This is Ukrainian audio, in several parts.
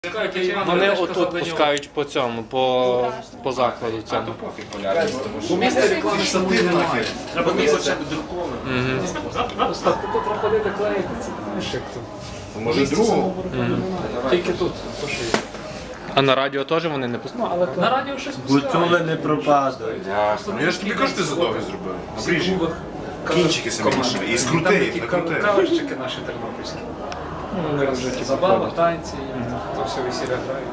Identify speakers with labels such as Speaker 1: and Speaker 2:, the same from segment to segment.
Speaker 1: Вони отут пускають по цьому, по закладу цьому.
Speaker 2: У місті реклами самої немає. Треба хоча б друкованим.
Speaker 3: Остап, ти тут проходити клеїти, це знаєш як тут.
Speaker 2: Може другого?
Speaker 3: Тільки тут, то що є.
Speaker 1: А на радіо теж вони не пускають?
Speaker 3: Але на радіо щось пускають.
Speaker 4: Гуцули не пропадають.
Speaker 2: Ясно. Ну я ж тобі кажу, ти задовго зробив. Обріжі. Кінчики самі лишили. І скрути, накрути.
Speaker 3: Кавищики наші тернопільські. Вони вже забава, танці, то все весілля грають.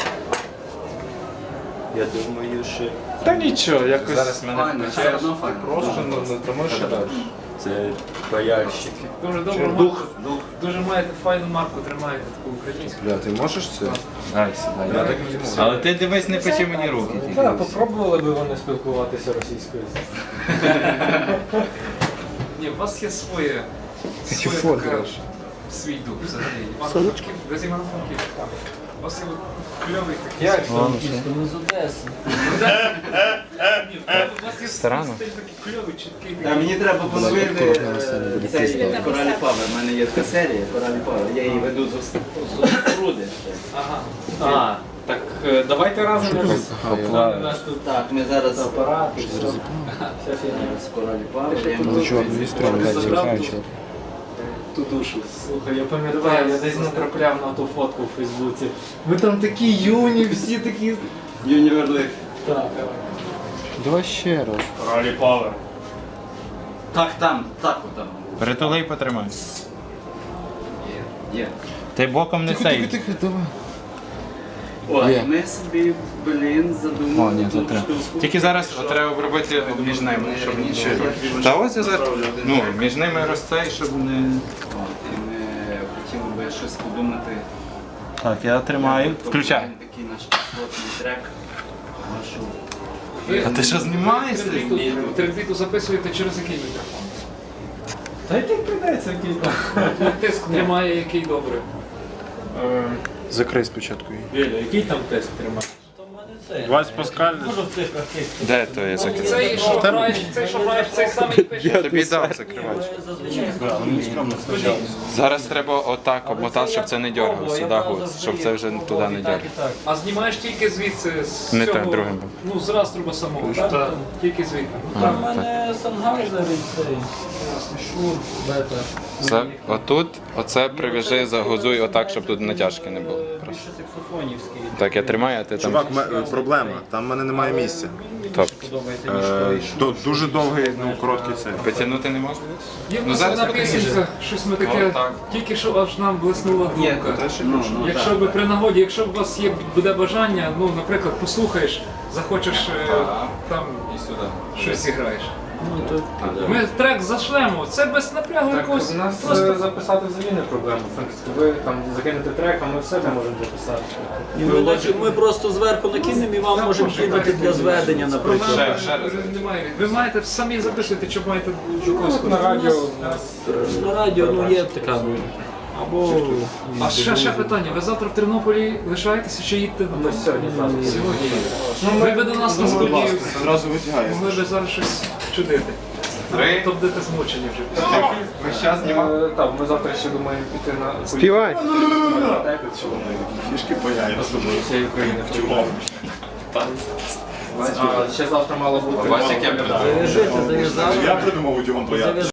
Speaker 4: Я думаю, що
Speaker 1: Та нічого, якось.
Speaker 2: Зараз мене
Speaker 1: Просто не тому що далі.
Speaker 4: це паяльщики.
Speaker 3: Дуже добре, марку, дуже маєте файну марку, тримаєте таку українську.
Speaker 2: Бля, ти можеш це?
Speaker 4: Дай сюди.
Speaker 2: Я так не можу.
Speaker 4: Але ти дивись, не печи мені руки.
Speaker 3: Так, попробували би вони спілкуватися російською. Ні, у вас є своє така, свій дух взагалі. Івано-Франків, без Івано-Франківська. У вас є кльовий такий.
Speaker 1: Як?
Speaker 3: Ми з Одеси. Ні, у вас є
Speaker 1: Старано.
Speaker 3: стиль такий кльовий, чіткий.
Speaker 5: А мені треба поновити цей Коралі Павер. У мене є така серія Коралі Павер. Я її веду з Руди.
Speaker 3: Ага. А, так давайте разом.
Speaker 5: Так, ми зараз апарат. З Коралі Павер.
Speaker 3: Ту душу. Слухай, я пам'ятаю, я десь натрапляв на ту фотку в Фейсбуці. Ви там такі юні, всі такі.
Speaker 5: Юніверлих.
Speaker 3: Так,
Speaker 1: Давай ще раз.
Speaker 3: Коралі Павер.
Speaker 5: Так, там, так отам.
Speaker 4: Притули і потримай.
Speaker 5: Є.
Speaker 4: Ти боком не сей.
Speaker 5: О, і ми собі, задумали ту штуку.
Speaker 4: Тільки зараз треба обробити між ними, щоб нічого. Та ось я зараз. Ну, між ними розцей, щоб не.
Speaker 5: От, і ми хотіли би щось подумати.
Speaker 4: Так, я тримаю. Включай.
Speaker 5: Такий наш кислотний трек. Нашу.
Speaker 4: А ти що знімаєшся?
Speaker 3: Триквіту записуєте через який мікрофон?
Speaker 1: Та який прийдеться кілька.
Speaker 3: Тиск тримає, який добре.
Speaker 2: Закрий спочатку її.
Speaker 3: Віля, який там тиск тримає?
Speaker 1: Вась Паскаль.
Speaker 4: Де то є закрив?
Speaker 3: Цей, що граєш, цей самий пише.
Speaker 4: Тобі дав закривач. Зараз треба отак обмотати, щоб це не дергалося, сюди гуц, щоб це вже туди не дергалося.
Speaker 3: А знімаєш тільки звідси, з
Speaker 4: Не
Speaker 3: цього,
Speaker 4: так, другим.
Speaker 3: ну, з раструба самого, так? Тільки звідти.
Speaker 4: А,
Speaker 3: У мене Сангайзер і цей, Шур, Бета.
Speaker 4: Це отут, оце прив'яжи, загузуй отак, щоб тут натяжки не було. Просто.
Speaker 3: Саксофонівський.
Speaker 4: Так, я тримаю, а ти там.
Speaker 2: Чувак, проблема. Там в мене немає місця.
Speaker 4: Тобто,
Speaker 2: Дуже довгий, короткий цей.
Speaker 4: потягнути не можна?
Speaker 3: Є в
Speaker 4: Ну,
Speaker 3: нас
Speaker 4: зараз
Speaker 3: одна
Speaker 4: покажи.
Speaker 3: пісенька, щось ми таке,
Speaker 4: Отак.
Speaker 3: тільки що аж нам блиснула думка.
Speaker 5: Ну,
Speaker 3: Якщо би при нагоді, якщо б у вас буде бажання, ну, наприклад, послухаєш, захочеш там
Speaker 4: І сюди.
Speaker 3: щось зіграєш. Ми трек зашлемо, це без напрягу якогось.
Speaker 1: У нас
Speaker 3: Просто
Speaker 1: записати взагалі не проблема. Ви там закинете трек, а ми в себе можемо записати.
Speaker 6: Ми просто зверху накинемо і вам можемо кинути для зведення, наприклад.
Speaker 4: Ще раз.
Speaker 3: немає. Ви маєте самі записувати, чи маєте до когось.
Speaker 1: На радіо
Speaker 6: На радіо ну, є така. Або
Speaker 3: А ще питання, ви завтра в Тернополі лишаєтеся чи їдете додому? Сьогодні. Ви би до нас на студію
Speaker 2: Зразу витягає.
Speaker 3: могли би зараз щось чудити. То будете змучені вже після.
Speaker 4: Ми зараз знімаємо.
Speaker 1: Так, ми завтра ще думаємо піти на
Speaker 4: Співай.
Speaker 2: Фішки появляються.
Speaker 1: всієї України. А ще завтра мало бути.
Speaker 4: Бачиш, як я придумав.
Speaker 6: зав'яжити, зав'язали.
Speaker 2: Я придумав утюгом появляються.